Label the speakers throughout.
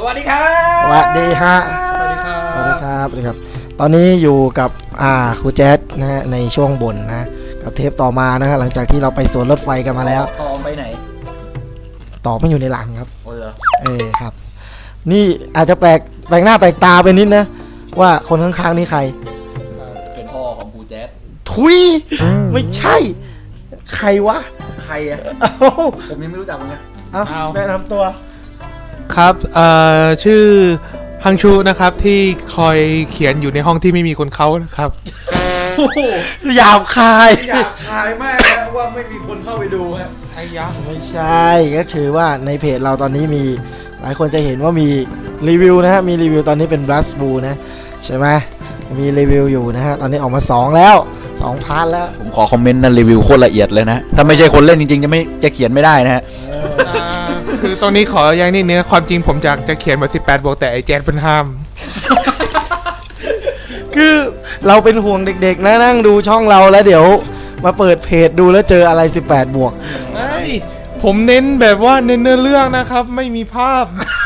Speaker 1: วัสดีครับ
Speaker 2: สวัสดีฮะ
Speaker 1: สวัสดีครับ
Speaker 2: สวัสดีครับสวัสดีครับตอนนี้อยู่กับครูแจ๊ดนะฮะในช่วงบ่นนะกับเทปต่อมานะฮะหลังจากที่เราไปสวนรถไฟกันมาแล้ว
Speaker 1: ต่อไปไหน
Speaker 2: ต่อไม่อยู่ในหลังครับ
Speaker 1: โอ้เหรอ
Speaker 2: ครับนี่อาจจะแปลกหน้าแปลกตาไปนิดนะว่าคนข้างๆนี่ใคร
Speaker 1: เป็นพ่อของครูแจ๊ด
Speaker 2: ทุยไม่ใช่ ใครวะ
Speaker 1: ใครอะ
Speaker 2: เอ้า
Speaker 1: ผมยังไม่รู้จักมึงนะ
Speaker 2: เอาแนะนำตัว
Speaker 3: ครับชื่อฮังชูนะครับที่คอยเขียนอยู่ในห้องที่ไม่มีคนเขานะครับ
Speaker 2: หยาบคาย
Speaker 1: อยากทายมากนะว่าไม่มีคนเข้าไปดูฮะ
Speaker 3: ไอ้ยะ
Speaker 2: ไม่ใช่ก็คือว่าในเพจเราตอนนี้มีหลายคนจะเห็นว่ามีรีวิวนะฮะมีรีวิวตอนนี้เป็น Blast Blue นะใช่ไหมมีรีวิวอยู่นะฮะตอนนี้ออกมา2แล้ว2 พาร์ทแล้ว
Speaker 1: ผมขอคอมเมนต์นะรีวิวโคตรละเอียดเลยนะถ้าไม่ใช่คนเล่นจริงๆจะเขียนไม่ได้นะฮะ
Speaker 3: คือตอนนี้ขออย่างนี้เนี่ยความจริงผมอยากจะเขียนมา18 บวกแต่ไอ้แจ๊ดเป็นห้าม
Speaker 2: คือเราเป็นห่วงเด็กๆนะนั่งดูช่องเราแล้วเดี๋ยวมาเปิดเพจดูแล้วเจออะไร18 บวก
Speaker 3: ผมเน้นแบบว่าเน้นเนื้อเรื่องนะครับไม่มีภาพ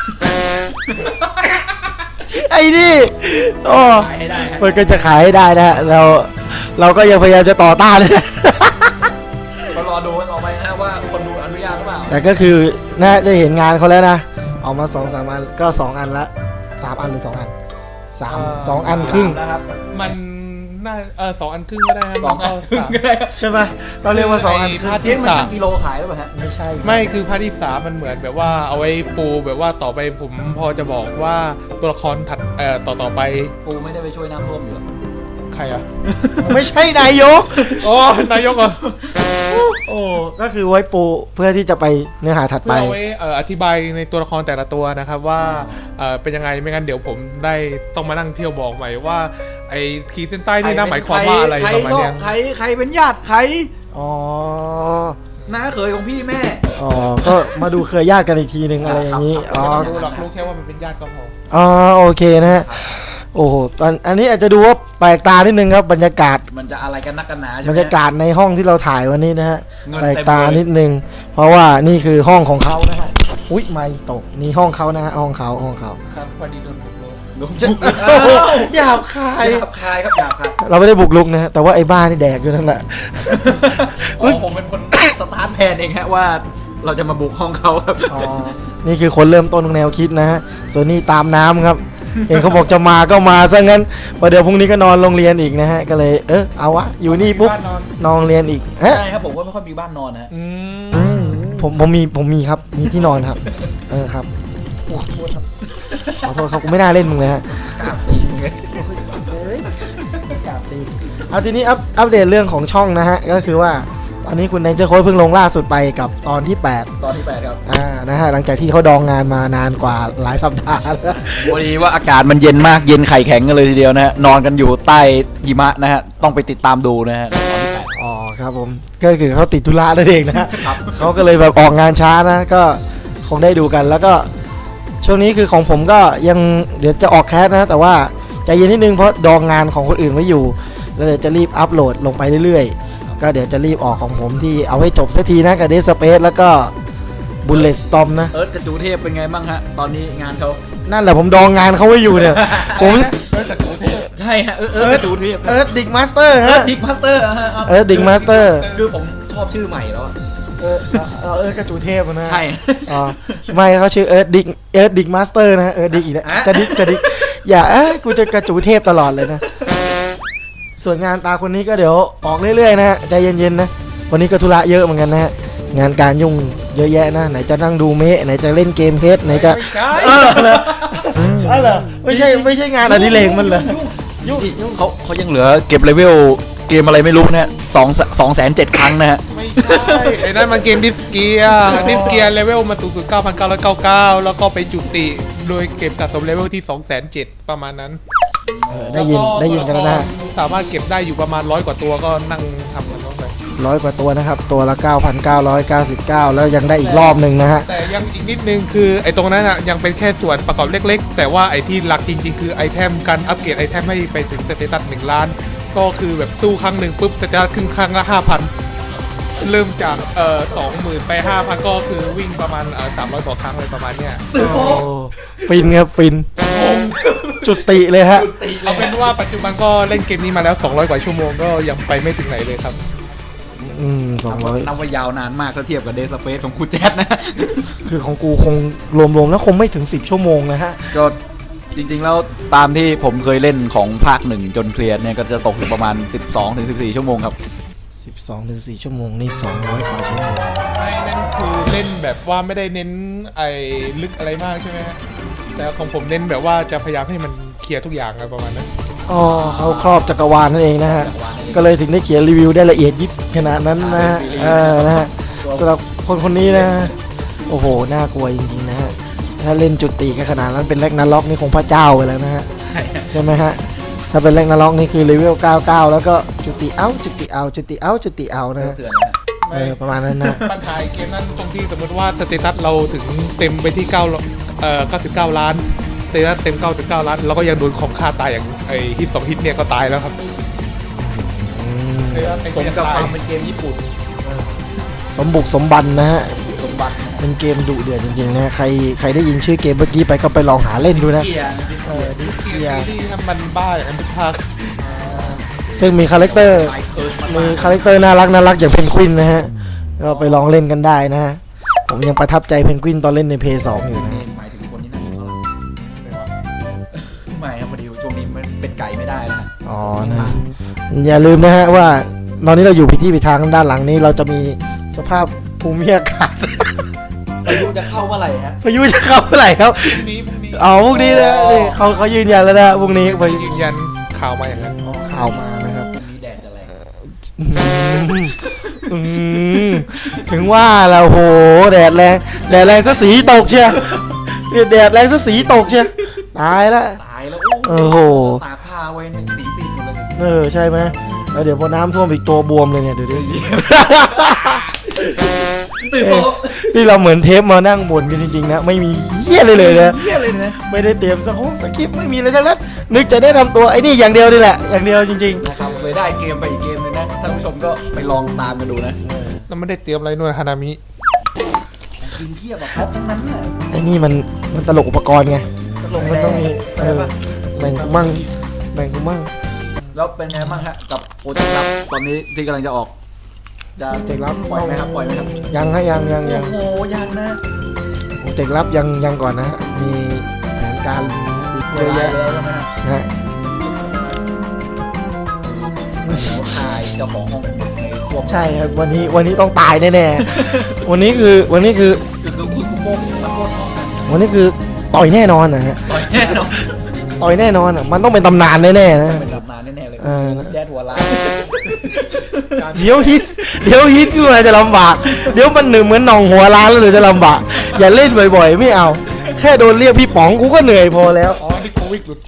Speaker 2: ไอ้นี่โอ้
Speaker 1: ขายให้ได้ฮะ
Speaker 2: มันก็จะขายให้ได้นะฮะเราก็ยังพยายามจะต่อต้านเลยนะ
Speaker 1: ก็รอดูกันต่อไปนะว่าคนดูอนุญาตหรือเปล่า
Speaker 2: แต่ก็คือน่าจะเห็นงานเขาแล้วนะออกมา2-3 อันก็2 อันละ3 อันหรือ2 อัน2 อันครึ่ง
Speaker 1: นะครับ
Speaker 3: มันน่า2 อันครึ่งก็ได้ครับ
Speaker 1: สองอันครึ่งก็ได้ครับ
Speaker 2: ใช่ไหมเราเรียกว่า2 อันครึ่ง
Speaker 3: พาร์ท
Speaker 1: เอ๊ะ
Speaker 3: ที่
Speaker 1: มัน
Speaker 3: สา
Speaker 1: ชั่
Speaker 3: ม
Speaker 1: งกิโลขายหรือเปล่าฮะ
Speaker 2: ไม่ใช่
Speaker 3: ไม่คือพาร์ทที่3มันเหมือนแบบว่าเอาไว้ปูแบบว่าต่อไปผมพอจะบอกว่าตัวละครถัดต่อไป
Speaker 1: กูไม่ได้ไปช่วยน้ำท่วมอยู่หรอก
Speaker 3: ใครอ่ะ
Speaker 2: ไม่ใช่นายก
Speaker 3: อ๋อนายกเหรอ
Speaker 2: โอ้ก็คือไว้ปูเพื่อที่จะไปเนื้อหาถัดไป
Speaker 3: เพื่อเอาไว้อธิบายในตัวละครแต่ละตัวนะครับว่าเป็นยังไงไม่งั้นเดี๋ยวผมได้ต้องมานั่งเที่ยวบอกใหม่ว่าไอ้ขีดเส้นใต้นี่น่าหมายความว่าอะไรประมาณเนี้ย
Speaker 1: ใครเป็นญาติใคร
Speaker 2: อ๋อ
Speaker 1: น้าเขยของพี่แม่
Speaker 2: อ๋อก็มาดูเคยญาติกันอีกทีหนึ่งอะไรอย่างนี้ อ๋อ
Speaker 3: ไม่ต้องรู้หรอกรู้แค่ว่ามันเป็นญาติก็พอ
Speaker 2: อ๋อโอเคนะฮะโอ้โหอันนี้อาจจะดูว่าแปลกตานิดนึงครับบรรยากาศ
Speaker 1: มันจะอะไรกันนักกันหนาใช่ไห
Speaker 2: บ
Speaker 1: ม
Speaker 2: รรยากาศในห้องที่เราถ่ายวันนี้นะฮะ
Speaker 1: เงิน
Speaker 2: แปลก
Speaker 1: เต็ม
Speaker 2: ตา
Speaker 1: เลย
Speaker 2: นิดนึงเพราะว่านี่คือห้องของเขานะฮะอุ๊ยไม่ตกนี่ห้องเขานะฮะห้องเขา
Speaker 3: ครับพอดีโดนบุกรุก
Speaker 2: หยาบคาย
Speaker 1: หยาบคายครับหยาบคาย
Speaker 2: เราไม่ได้บุกลุกนะฮะแต่ว่าไอ้บ้านี่แดกอยู่นั่นแหละ
Speaker 1: อ๋อผมเป็นคนสตาร์ทแพนเองฮะว่าเราจะมาบุกห้องเขาครับ
Speaker 2: อ๋อนี่คือคนเริ่มต้นของแนวคิดนะฮะส่วนนี้ตามน้ำครับ เห็นเขาบอกจะมาก็มาซะงั้นพอเดี๋ยวพรุ่งนี้ก็นอนโรงเรียนอีกนะฮะก็เลยเอาวะอยู่นี่ปุ๊บ
Speaker 3: บ้านนอน
Speaker 2: นอนโรงเรียนอีกฮะ
Speaker 1: ใช่ครับผมก็ไม่ค่อยมีบ้านนอนนะฮะ
Speaker 2: ผมมีครับมีที่นอนครับครับโอ้ขอโทษครับขอโทษครับกูไม่น่าเล่นมึงเลยฮะ
Speaker 1: กราบจริงเลย
Speaker 2: เอาทีนี้อัปเดตเรื่องของช่องนะฮะก็คือว่าตอนนี้คุณแดนเจอร์โค้ดเพิ่งลงล่าสุดไปกับตอนที่ 8
Speaker 1: ตอนที่8ครับ
Speaker 2: นะฮะหลังจากที่เขาดองงานมานานกว่าหลายสัปดาห์แล้ว
Speaker 1: พอดีว่าอากาศมันเย็นมากเย็นไข่แข็งกันเลยทีเดียวนะฮะนอนกันอยู่ใต้หิมะนะฮะต้องไปติดตามดูนะฮะตอนที่8
Speaker 2: อ๋อครับผมก็คือเขาติดธุระนั่นเองนะเขาก็เลยแบบออกงานช้านะก็คงได้ดูกันแล้วก็ช่วงนี้คือของผมก็ยังเดี๋ยวจะออกแคสนะแต่ว่าใจเย็นนิดนึงเพราะดองงานของคนอื่นไว้อยู่แล้วเดี๋ยวจะรีบอัปโหลดลงไปเรื่อยๆก็เดี๋ยวจะรีบออกของผมที่เอาให้จบสักทีนะกับเดสเปซแล้วก็บุลเลตสตอมนะ
Speaker 1: เอิร์ธกับจูเทพเป็นไงบ้างฮะตอนนี้งานเขา
Speaker 2: นั่นแหละผมดองงานเขาไว้อยู่เนี่ย ผม
Speaker 1: ใช่ฮะเอิร์ธกับจูเทพ
Speaker 2: ดิกมาสเตอร์
Speaker 1: เอิ
Speaker 2: ฮะ
Speaker 1: ร์ธดิกมาสเตอร์ฮะ
Speaker 2: ดิกมาสเตอร์
Speaker 1: คือผมชอบชื่อใหม่แล้วอะ
Speaker 2: กระจูเทพนะ
Speaker 1: ใช่
Speaker 2: อ๋อไม่เขาชื่อดิกมาสเตอร์นะดิกอีกแล้ว
Speaker 1: อะ
Speaker 2: จะดิกอย่ากูจะกระจูเทพตลอดเลยนะส่วนงานตาคนนี้ก็เดี๋ยวออกเรื่อยๆนะฮะใจเย็นๆนะวันนี้ก็ธุระเยอะเหมือนกันนะฮะงานการยุ่งเยอะแยะนะไหนจะนั่งดูเมะไหนจะเล่นเกมเพชรไหนจะ
Speaker 3: ไม่ใช่
Speaker 2: เหรอไม่ใช่งานอดิเรกมันเหรอ
Speaker 1: ยุ่งเขายังเหลือเก็บเลเวลเกมอะไรไม่รู้นะฮะ207,000 ครั้งนะฮะ
Speaker 3: ไม่ใช่ไอ้นั่นมันเกมดิสเกียเลเวลมาสูงสุด 9,999 แล้วก็ไปจุติโดยเก็บสะสมเลเวลที่ 207,000 ประมาณนั้น
Speaker 2: ได้ยินกันแล้วนะ
Speaker 3: สามารถเก็บได้อยู่ประมาณ100 กว่าตัวก็นั่งทำกันเข้าไป
Speaker 2: 100 กว่าตัวนะครับตัวละ 9,999 แล้วยังได้อีกรอบหนึ่งนะฮะ
Speaker 3: แต่ยังอีกนิดนึงคือไอ้ตรงนั้นอ่ะยังเป็นแค่ส่วนประกอบเล็กๆ แต่ว่าไอ้ที่หลักจริงๆคือไอเทมการอัปเกรดไอเทมให้ไปถึงสเตตัส1 ล้าน ก็คือแบบสู้ครั้งหนึ่งปุ๊บจะขึ้นครั้งละ 5,000 เริ่มจาก20,000ไป5,000ก็คือวิ่งประมาณ300กว่าครั้งเลยประมาณเนี้ย
Speaker 2: โอ้ฟินครับฟินจุติเลยฮะ
Speaker 3: เอาเป็นว่าปัจจุบันก็เล่นเกมนี้มาแล้ว200กว่าชั่วโมงก็ยังไปไม่ถึงไหนเลยครับ
Speaker 2: 200
Speaker 1: นับว่ายาวนานมากถ้าเทียบกับเดย์สเปซของครูแจ๊ดนะ
Speaker 2: คือของกูคงรวมๆแล้วคงไม่ถึง10ชั่วโมงนะฮะ
Speaker 1: ก็จริงๆแล้วตามที่ผมเคยเล่นของภาค 1จนเคลียร์เนี่ยก็จะตกอยู่ประมาณ 12-14 ชั่วโมงครับ
Speaker 2: 12-14ชั่วโมงนี่200กว่าชั่วโมง
Speaker 3: ไม่นั่นคือเล่นแบบว่าไม่ได้เน้นไอ้ลึกอะไรมากใช่ไหมฮะแต่ของผมเน้นแบบว่าจะพยายามให้มันเคลียร์ทุกอย่างอะไรประมาณนั้น
Speaker 2: อ๋อเขาครอบจักรวาลนั่นเองนะฮะ ก็เลยถึงได้เขียนรีวิวได้ละเอียดยิบขนาดนั้นนะฮะนะฮะสำหรับคนนี้นะโอ้โหน่ากลัวจริงๆนะฮะถ้าเล่นจุติกันขนาดนั้นเป็นแร็กนาล็อกนี่คงพระเจ้าไปแล้วนะฮะใช่ไหมฮะถ้าเป็นแร็กนาล็อกนี่คือเลเวล99แล้วก็จุติเอาจุติเอาจุติเอาจุติเอานะฮะ
Speaker 1: เถื่อนนะฮะ
Speaker 2: ประมาณนั้นนะ
Speaker 3: ปัญหาเกมนั้นตรงที่สมมติว่าสเตตัสเราถึงเต็มไปที่99 ล้านสเตตัสเต็ม99 ล้านแล้วก็ยังโดนของฆ่าตายอย่างไอ้ฮิต2ฮิตเนี่ยก็ตายแล้วครับ
Speaker 1: สมกับความเป็นเกมญี่ปุ่น
Speaker 2: สมบุกสมบันนะฮะ
Speaker 1: สมบัติ
Speaker 2: เป็นเกมดุเดือดจริงๆนะใครได้ยินชื่อเกมเมื่อกี้ไปก็ไปลองหาเล่นดูนะ
Speaker 1: เกียร์
Speaker 2: ดิส
Speaker 3: ซี
Speaker 2: เกีย
Speaker 3: รีส์มันบ้าอย่างนั้นทุกภาค
Speaker 2: ซึ่งมีคาแรคเตอร์
Speaker 1: ไอเคิร์
Speaker 2: มีคาแรคเตอร์น่ารักอย่างเพนกวินนะฮะก็ไปลองเล่นกันได้นะฮะผมยังประทับใจเพนกวินตอนเล่นในเพย์2อยู่นะ
Speaker 1: นี่หมายถึงคนที่นั่งอยู่ข้างหลังไม่ครับพอดีช่วงนี้มันเป็นไก่ไม่ได้นะฮะ
Speaker 2: อ๋อนะอย่าลืมนะฮะว่าตอนนี้เราอยู่ผิดที่ผิดทางด้านหลังนี้เราจะมีสภาพภูมิอากาศ
Speaker 1: พายุจะเข้าเมื่อไหร่ฮะ
Speaker 2: พายุจะเข้าเมื่อไหร่ครับ
Speaker 3: พรุ่งนี้
Speaker 2: อ๋อพวกนี้นะนี่เขายืนยันแล้วนะพวกนี้พายุ
Speaker 3: ยืนยันข่าวมาอย่างนั้น
Speaker 2: ข่าวมานะครับ
Speaker 1: พรุ่งนี้แดดจะแรง
Speaker 2: อืมถึงว่าแล้วโหแดดแรงซะสีตกเชียแดดแรงซะสีตกเชียตายละ
Speaker 1: ตายแล้ว
Speaker 2: โอ้โห
Speaker 1: ตากผ้าไว้เนี่ยสีซีดหมดเลย
Speaker 2: ใช่ไหมแล้วเดี๋ยวพอน้ำท่วมอีกตัวบวมเลยเนี่ยเดี๋ยวดิ
Speaker 1: ตื่นโต
Speaker 2: นี่เราเหมือนเทปมานั่งบ่นกันจริงๆนะไม่มีเหี้ยเลยนะ
Speaker 1: เที่ยเลยนะ
Speaker 2: ไม่ได้เตรียมสคริปต์ไม่มีเลยทั้งนั้นนึกจะได้ทำตัวไอ้นี่อย่างเดียวนี่แหละอย่างเดียวจริง
Speaker 1: นะครับเลยได้เกมไปอีกเกมนึงนะท่านผู้ชมก็ไปลองตามกันดูนะ
Speaker 3: แล้วไม่ได้เตรียมอะไรนู่นฮานามิ
Speaker 1: กินเทียบแบบครบทั้งนั้นน่ะ
Speaker 2: ไอ้นี่มันตลกอุปกรณ์ไง
Speaker 1: ลง
Speaker 2: มันต้องมี
Speaker 1: ใช่ปะ
Speaker 2: แบ่งกูมั่งแบ่งกูมั่ง
Speaker 1: แล้วเป็นไงบ้างฮะกับโปรเจกต์ลับตอนนี้ที่กำลังจะออก จะ
Speaker 2: เจกรับ
Speaker 1: ปล่อยไหมครับปล่อยไหมครับ
Speaker 2: ยังฮะยัง
Speaker 1: โอ้โหยังนะ
Speaker 2: เจกรับยังก่อนนะฮะมีแผนการอีกเยอะแยะ
Speaker 1: แล้วใช่ไหมฮะ
Speaker 2: นะฮะ
Speaker 1: ทายเจ้าของห้องในส้วม
Speaker 2: ใช่ครับวันนี้ต้องตายแน่ๆวันนี้คือ
Speaker 1: คือคุณโมงตะโกนห้องนะ
Speaker 2: วันนี้คือต่อยแน่นอนนะฮะ
Speaker 1: ต่อยแน่นอน
Speaker 2: ต่อยแน่นอนอ่ะมันต้องเป็นตำนานแน่ๆนะ
Speaker 1: เป็นตำนานแน่ๆเลย
Speaker 2: เออ
Speaker 1: แจ๊ดหัวล้าน
Speaker 2: เดี๋ยวฮิตขึ้นมาจะลำบากเดี๋ยวมันเหมือนหนองหัวล้านแล้วเดี๋ยวจะลำบากอย่าเล่นบ่อยๆไม่เอาแค่โดนเรียกพี่ป๋องกูก็เหนื่อยพอแล้ว
Speaker 3: อ๋อนี่โควิดหลุดใช่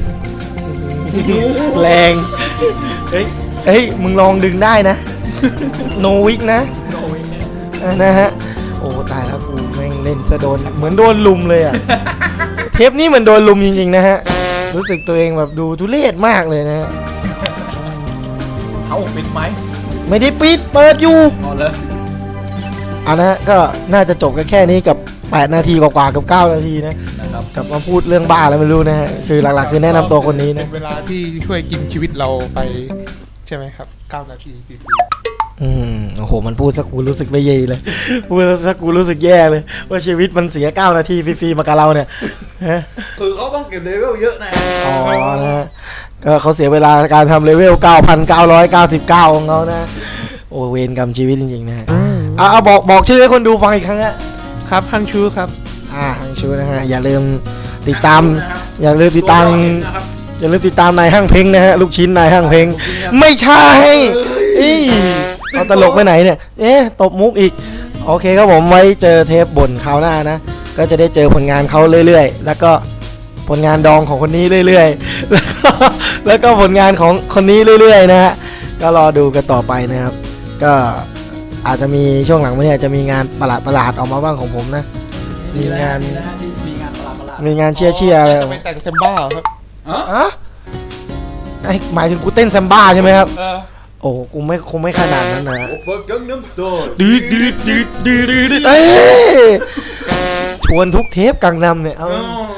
Speaker 2: แรงเฮ้ยมึงลองดึงได้นะโนวิกนะนะฮะโอ้ตายแล้วกูแม่งเล่นจะโดนเหมือนโดนลุมเลยอ่ะเทปนี้เหมือนโดนลุมจริงๆนะฮะรู้สึกตัวเองแบบดูทุเรศมากเลยนะฮะ
Speaker 1: เอาปิดไหม
Speaker 2: ไม่ได้ปิดเปิดอยู่
Speaker 1: เอาเลย
Speaker 2: เอานะฮะก็น่าจะจบกันแค่นี้กับ8นาทีกว่าๆกับ9นาทีนะ
Speaker 1: นะครับ
Speaker 2: กลับมาพูดเรื่องบ้าแล้วไม่รู้นะฮะคือหลักๆคือแนะนำตัวคนนี้
Speaker 3: เป็
Speaker 2: นะ
Speaker 3: นเวลาที่ช่วยกินชีวิตเราไปใช่ไหมครับ9นาทีฟรี
Speaker 2: โอ้โหมันพูดสักกูรู้สึกไม่เย่เลยพูดสักกูรู้สึกแย่เลยว่าชีวิตมันเสีย9นาทีฟรีๆมากับเราเนี่ยฮะ
Speaker 1: คือเขาต้องเก็บเลเวลเยอะนะ
Speaker 2: อ๋อนะฮะก็เขาเสียเวลาการทำเลเวล 9,999 ของเขานะโอ้เวรกรรมชีวิตจริงๆนะฮะเอาบอกชื่อให้คนดูฟังอีกครั้งฮะ
Speaker 3: ๆครับฮังชูครับ
Speaker 2: ฮังชูนะฮะอย่าลืมติดตามอย่าลืมติดตามนายห้างเพ้งนะฮะลูกชิ้นนายห้างเพ้งไม่ใช่เอาตลกไปไหนเนี่ยตบมุกอีกโอเคครับผมไว้เจอเทปบ่นคราวหน้านะก็จะได้เจอผลงานเขาเรื่อยๆแล้วก็ผลงานดองของคนนี้เรื่อยๆแล้วก็ผลงานของคนนี้เรื่อยๆนะฮะก็รอดูกันต่อไปนะครับก็อาจจะมีช่วงหลังวันนี้อาจจะมีงานประหลาดออกมาบ้างของผมนะมีงาน
Speaker 1: มีงานประหลาด
Speaker 2: มีงานเชียร์อะไร
Speaker 3: จะไปแต่งเซมบ้าครับ
Speaker 2: อะหมายถึงกูเต้นแซมบ้าใช่ไหมครับโอ้กูไม่คงไม่ขนาดนั้นนะ
Speaker 4: เบิร์กกังน้ำสโตน
Speaker 2: ดืดเอ้ยชวนทุกเทปกังนำเนี่ยเอา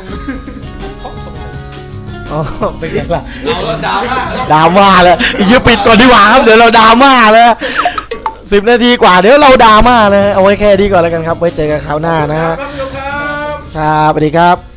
Speaker 2: อ๋อเป็นไงล่ะ
Speaker 4: เอาแล้วดาวมาก
Speaker 2: ดราม่าแล้วยืมปิดก่อนดีกว่าครับเดี๋ยวเราดราม่าแล้ว10 นาทีกว่าเดี๋ยวเราดราม่าเลยเอาไว้แค่นี้ก่อนแล้วกันครับไว้เจอกันคราวหน้านะฮะ
Speaker 4: ครับ
Speaker 2: ครับสวัสดีครับ